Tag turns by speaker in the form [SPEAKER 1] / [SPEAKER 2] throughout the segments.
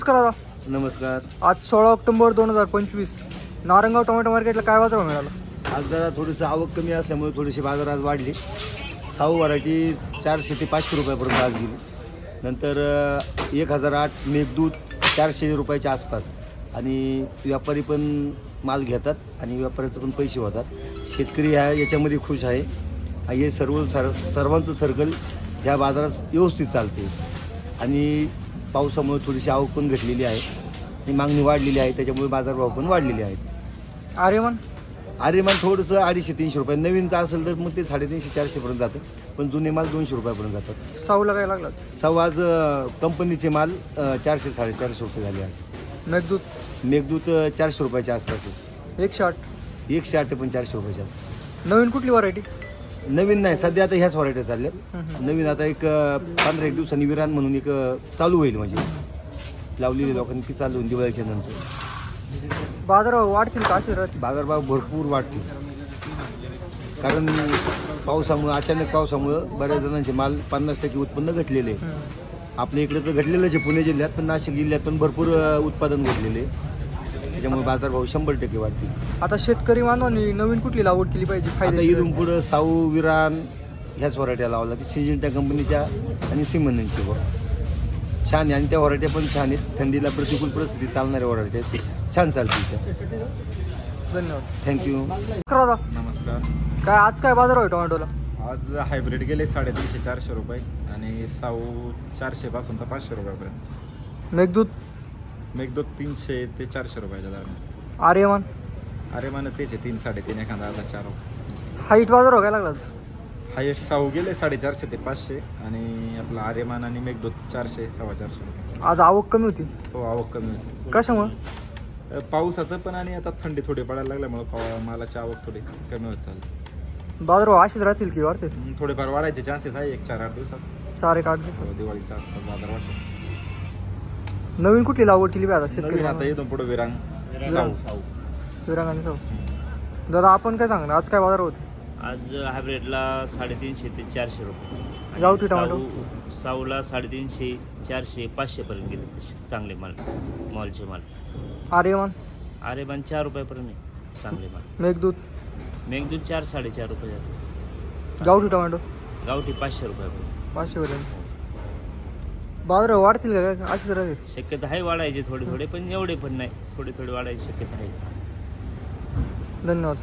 [SPEAKER 1] करा.
[SPEAKER 2] नमस्कार.
[SPEAKER 1] आज 16 ऑक्टोबर 2025 नारंगाव टोमॅटो मार्केटला काय बाजार मिळाला?
[SPEAKER 2] आज जरा थोडीसं आवक कमी असल्यामुळे थोडीशी बाजार आज वाढली. साऊ व्हरायटी 400 ते 500 रुपयापर्यंत आज गेली. नंतर 1008 मेघदूत 400 रुपयाच्या आसपास. आणि व्यापारी पण माल घेतात आणि व्यापाऱ्याचे पण पैसे होतात. शेतकरी याच्यामध्ये खुश आहे. हे सर्वांचं सर्कल ह्या बाजारात व्यवस्थित चालते. आणि पावसामुळे थोडीशी आवक पण घटलेली आहे आणि मागणी वाढलेली आहे, त्याच्यामुळे बाजारभाव पण वाढलेले आहेत. आर्यमान थोडंसं 250-300 रुपये, नवीनचं असेल तर मग ते 350-400 पर्यंत जातं, पण जुने माल 200 रुपयापर्यंत जातात.
[SPEAKER 1] साऊला काय लागला?
[SPEAKER 2] साऊ आज कंपनीचे माल 400-450 रुपये झाले. आज मेघदूत 400 रुपयाच्या आसपासच. 108 पण 400 रुपयाच्या.
[SPEAKER 1] नवीन कुठली व्हरायटी?
[SPEAKER 2] नवीन नाही, सध्या आता ह्याच व्हरायटी चालल्यात. नवीन आता एक 15-1 दिवसांनी विरान म्हणून एक चालू होईल, म्हणजे लावलेली लोकांनी ती चालू होईल दिवाळीच्या नंतर.
[SPEAKER 1] बाजारभाव वाढतील का? असे राहतील?
[SPEAKER 2] बाजारभाव भरपूर वाढतील, कारण पावसामुळं, अचानक पावसामुळं बऱ्याच जणांचे माल 50% उत्पन्न घटलेले. आपल्या इकडे तर घटलेलंच आहे पुणे जिल्ह्यात, पण नाशिक जिल्ह्यात पण भरपूर उत्पादन घटलेले, त्याच्यामुळे बाजारभाव 100% वाढतील.
[SPEAKER 1] आता शेतकरी बांधवांनी नवीन कुठली लागवड केली पाहिजे?
[SPEAKER 2] आता इथून पुढं साऊ, विरान ह्याच व्हरायट्या लावला की सिंजिंटा कंपनीच्या आणि सिमननची छान आहे. आणि त्या व्हरायट्या पण छान आहेत, थंडीला प्रतिकूल परिस्थिती चालणाऱ्या व्हरायट्या आहेत, छान चालतील त्या.
[SPEAKER 1] धन्यवाद.
[SPEAKER 2] थँक्यू.
[SPEAKER 3] नमस्कार.
[SPEAKER 1] काय आज काय बाजार आहे टोमॅटोला?
[SPEAKER 3] आज हायब्रिड गेले 350-400 रुपये आणि साऊ 400 पासून तर 500 रुपयापर्यंत.
[SPEAKER 1] मेघदूत
[SPEAKER 3] 300 ते 400 रुपयाच्या दरम्यान.
[SPEAKER 1] आर्यमान
[SPEAKER 3] आर्यमान तेच आहे 3-3.5 एखादा आता 4.
[SPEAKER 1] हाईट बाजार काय लागला?
[SPEAKER 3] हायेस्ट साऊ गेले 450 ते 500 आणि आपला आर्यमान आणि मेघदूत 400-450 रुपये.
[SPEAKER 1] आज आवक कमी होती.
[SPEAKER 3] हो, आवक कमी होती.
[SPEAKER 1] कशामुळे?
[SPEAKER 3] पावसाचं पण आणि आता थंडी थोडी पडायला लागल्यामुळे मालाची आवक थोडी कमी होत चालली.
[SPEAKER 1] बाजारभाव असेच राहतील की वाढतील?
[SPEAKER 3] थोडेफार वाढायचे चान्सेस आहे 1-4-8 दिवसात.
[SPEAKER 1] 4-1-8 दिवस.
[SPEAKER 3] दिवाळीच्या आसपास बाजार वाढतो.
[SPEAKER 1] नवीन कुठली लागवड केली पाहिजे
[SPEAKER 3] नवीन
[SPEAKER 1] शेतकरी?
[SPEAKER 3] आता इथून पुढे विरांग साऊ.
[SPEAKER 1] विरांग आणि साऊ. दादा आपण काय सांगणार, आज काय बाजार होते?
[SPEAKER 4] आज हायब्रिडला 350 ते 400 रुपये.
[SPEAKER 1] गावठी टोमॅटो?
[SPEAKER 4] साऊला 350, 400, 500 पर्यंत गेले तसे चांगले मॉलचे माल.
[SPEAKER 1] आर्यमान
[SPEAKER 4] 4 रुपयापर्यंत आहे चांगले माल.
[SPEAKER 1] मेघदूत
[SPEAKER 4] 4-4.5 रुपये जाते.
[SPEAKER 1] गावठी टोमॅटो
[SPEAKER 4] गावठी 500 रुपयापर्यंत.
[SPEAKER 1] 500 पर्यंत. बाजार वाढतील का काय? अशीच राहतील?
[SPEAKER 4] शक्यता आहे वाढायचे थोडे, पण एवढे पण नाही, थोडे वाढायची शक्यता आहे.
[SPEAKER 1] धन्यवाद.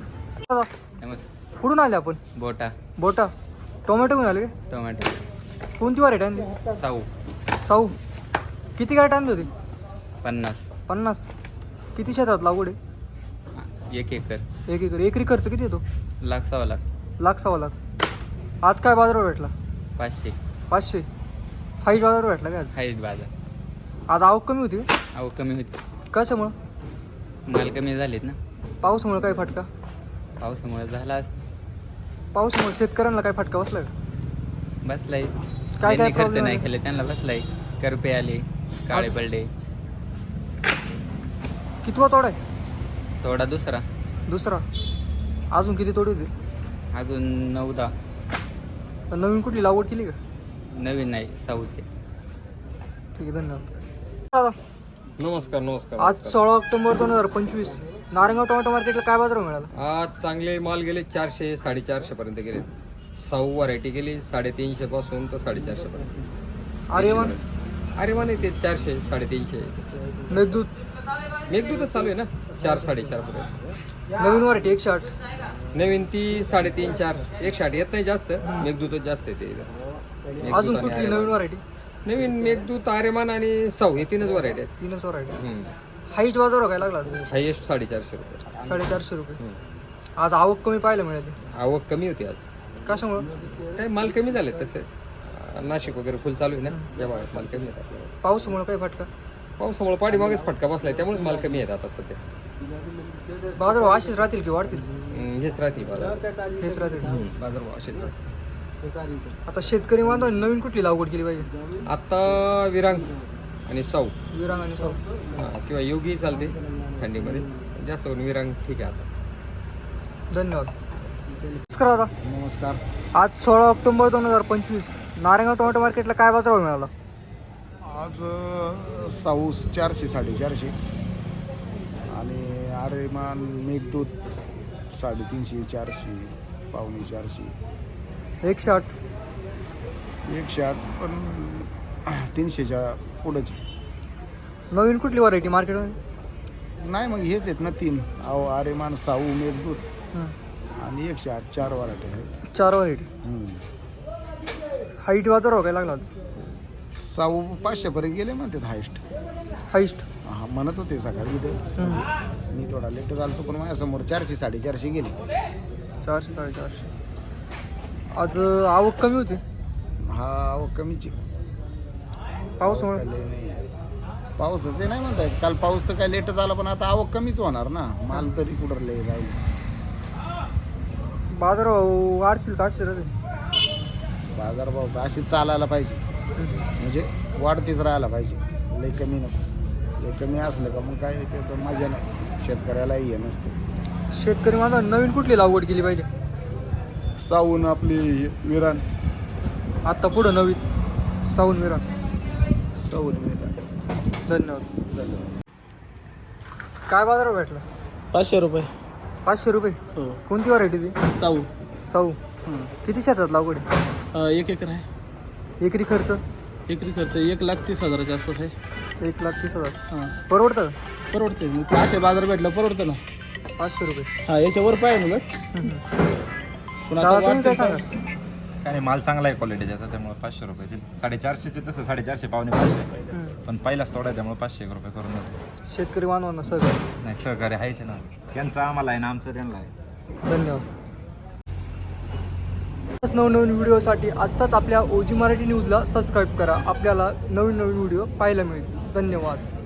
[SPEAKER 5] नमस्कार.
[SPEAKER 1] कुठून आले आपण? बोटा. टोमॅटो घेऊन आले का?
[SPEAKER 5] टोमॅटो
[SPEAKER 1] कोणती व्हरायटी आणली? साऊ. किती गाठ आणली होती? 50. किती शेतात लागवड आहे?
[SPEAKER 5] 1 एकर.
[SPEAKER 1] 1 एकर. एकरी खर्च किती येतो?
[SPEAKER 5] 1,00,000-1,15,00,000.
[SPEAKER 1] आज काय बाजारभाव भेटला?
[SPEAKER 5] 500.
[SPEAKER 1] हाईट बाजार भेटला का आज?
[SPEAKER 5] हाईट बाजार.
[SPEAKER 1] आज आवक कमी होती का?
[SPEAKER 5] आवक कमी होती,
[SPEAKER 1] कशामुळं?
[SPEAKER 5] माल कमी झालेत ना.
[SPEAKER 1] पावसामुळे काय फटका?
[SPEAKER 5] पावसामुळे झाला
[SPEAKER 1] पावसामुळे शेतकऱ्यांना काय फटका बसला का?
[SPEAKER 5] बसलाय.
[SPEAKER 1] काय
[SPEAKER 5] त्यांनी खर्च
[SPEAKER 1] problem
[SPEAKER 5] नाही
[SPEAKER 1] आहे?
[SPEAKER 5] केले त्यांना बसलाय. करपे आले, काळे पडले.
[SPEAKER 1] कितवा तोडा आहे?
[SPEAKER 5] थोडा दुसरा.
[SPEAKER 1] अजून किती तोडी होती?
[SPEAKER 5] अजून 9-10.
[SPEAKER 1] नवीन कुठली लागवड केली का?
[SPEAKER 5] नवीन नाही, साऊचे.
[SPEAKER 1] ठीक आहे, धन्यवाद.
[SPEAKER 6] नमस्कार.
[SPEAKER 1] आज 16 ऑक्टोबर 2025 नारंगाव टोमॅटो मार्केटला काय बाजार मिळाला?
[SPEAKER 6] आज चांगले माल गेले 400-450 पर्यंत गेले. साऊ व्हरायटी गेली 350 पासून तर 450 पर्यंत. आर्यमान ते 400-350. मेघदूतच चालू आहे ना, 4-4.5 पर्यंत.
[SPEAKER 1] नवीन व्हरायटी 108.
[SPEAKER 6] नवीन ती 3.5-4. 160 येत नाही जास्त, मेघदूतच जास्त येते.
[SPEAKER 1] अजून कुठली नवीन व्हरायटी?
[SPEAKER 6] नवीन मेघदूत, आर्यमान आणि साऊ हे 3च व्हरायटी आहेत.
[SPEAKER 1] 3च व्हरायटी. हाईट बाजार काय लागला?
[SPEAKER 6] हायेस्ट 450 रुपये.
[SPEAKER 1] 450 रुपये. आज आवक कमी पाहायला मिळाली.
[SPEAKER 6] आवक कमी होती आज.
[SPEAKER 1] कशामुळे?
[SPEAKER 6] काय माल कमी झाले तसे. नाशिक वगैरे फुल चालू आहे ना, या भागात माल कमी येतात.
[SPEAKER 1] पावसामुळे काय फटका?
[SPEAKER 6] पावसामुळे पाठीमागेच फटका बसलाय, त्यामुळे माल कमी येतात आता सध्या.
[SPEAKER 1] बाजार अशीच राहतील की वाढतील?
[SPEAKER 6] हेच राहतील बाजार.
[SPEAKER 1] हेच राहतील.
[SPEAKER 6] बाजार असेच राहतील.
[SPEAKER 1] आता शेतकरी बांधवांनी नवीन कुठली लागवड केली पाहिजे?
[SPEAKER 6] आता विरांग आणि साऊ.
[SPEAKER 1] विरांग आणि साऊ
[SPEAKER 6] किंवा योगी चालते थंडीमध्ये. जास्त करून विरांग ठीक आहे आता.
[SPEAKER 1] धन्यवाद. नमस्कार दादा.
[SPEAKER 3] नमस्कार.
[SPEAKER 1] आज 16 ऑक्टोबर 2025 नारंगाव टोमॅटो मार्केटला काय बाजारभाव मिळाला?
[SPEAKER 3] आज
[SPEAKER 7] आज साऊ 400 450 आणि आरेमान मेघदूत 350 400 पावणे 400
[SPEAKER 1] 108
[SPEAKER 7] 108 पण 300च्या पुढंच.
[SPEAKER 1] नवीन कुठली व्हरायटी मार्केटमध्ये?
[SPEAKER 7] नाही मग हेच आहेत ना 3 आरेमान साऊ मेघदूत आणि 108 4 व्हरायटी आहेत.
[SPEAKER 1] 4 व्हरायटी. हाईट बाजार काय लागला आज?
[SPEAKER 7] साऊ 500 पर्यंत गेले म्हणतात हायस्ट.
[SPEAKER 1] हाईस्ट
[SPEAKER 7] हा म्हणत होते सकाळी इथे. मी थोडा लेट झालो पण माझ्यासमोर 400 450 गेले.
[SPEAKER 1] 400 450. आज आवक कमी होती.
[SPEAKER 7] हा आवक कमीची.
[SPEAKER 1] पावसामुळे
[SPEAKER 7] नाही पाऊसच नाही म्हणताय. काल पाऊस तर काय लेट झाला पण आता आवक कमीच होणार ना. माल तरी कुठं लय राहील.
[SPEAKER 1] बाजार वाढतील का असे राहते?
[SPEAKER 7] बाजारभाव तर अशी चालायला पाहिजे म्हणजे वाढतीच राहायला पाहिजे. लय कमी नको. लय कमी असलं का मग काय त्याचं मजा नाही. शेतकऱ्यालाही हे नसतं.
[SPEAKER 1] शेतकरी माझा नवीन कुठली लागवड केली पाहिजे?
[SPEAKER 7] साऊन आपली विरान.
[SPEAKER 1] आता पुढं नवीन साऊन विरा.
[SPEAKER 7] साऊन विरान.
[SPEAKER 1] धन्यवाद. काय बाजार भेटला?
[SPEAKER 8] 500 रुपये.
[SPEAKER 1] 500 रुपये.
[SPEAKER 8] हो.
[SPEAKER 1] कोणती व्हरायटी ती?
[SPEAKER 8] साऊ.
[SPEAKER 1] साऊ. किती शेतात लागवड आहे?
[SPEAKER 8] 1 एकर आहे.
[SPEAKER 1] एकरी खर्च?
[SPEAKER 8] एकरी खर्च 1,30,000च्या आसपास आहे.
[SPEAKER 1] 1,30,000.
[SPEAKER 8] हां
[SPEAKER 1] परवडतं?
[SPEAKER 8] परवडते. मग ते असे बाजार भेटलं परवडतं ना.
[SPEAKER 1] 500 रुपये.
[SPEAKER 8] हां याच्यावर पाहिजे उलट. पण आता
[SPEAKER 1] दादा, तुम्ही काय
[SPEAKER 8] वाटतं
[SPEAKER 1] सांगा?
[SPEAKER 3] काय नाही, माल चांगला आहे क्वालिटी त्याचा, त्यामुळे 500 रुपये दिले. 450चे तसं 450 पावणे 500 पण पहिलाच थोडा आहे त्यामुळे 500 रुपये करून देतो.
[SPEAKER 1] शेतकरी बांधवांना सहकार्य.
[SPEAKER 3] नाही सहकार्य आहेच ना. त्यांचं आम्हाला आहे ना, आमचं त्यांना आहे.
[SPEAKER 1] धन्यवाद. नवनवीन व्हिडिओसाठी आत्ताच आपल्या ओजी मराठी न्यूजला सबस्क्राईब करा. आपल्याला नवीन नवीन व्हिडिओ पाहायला मिळतील. धन्यवाद.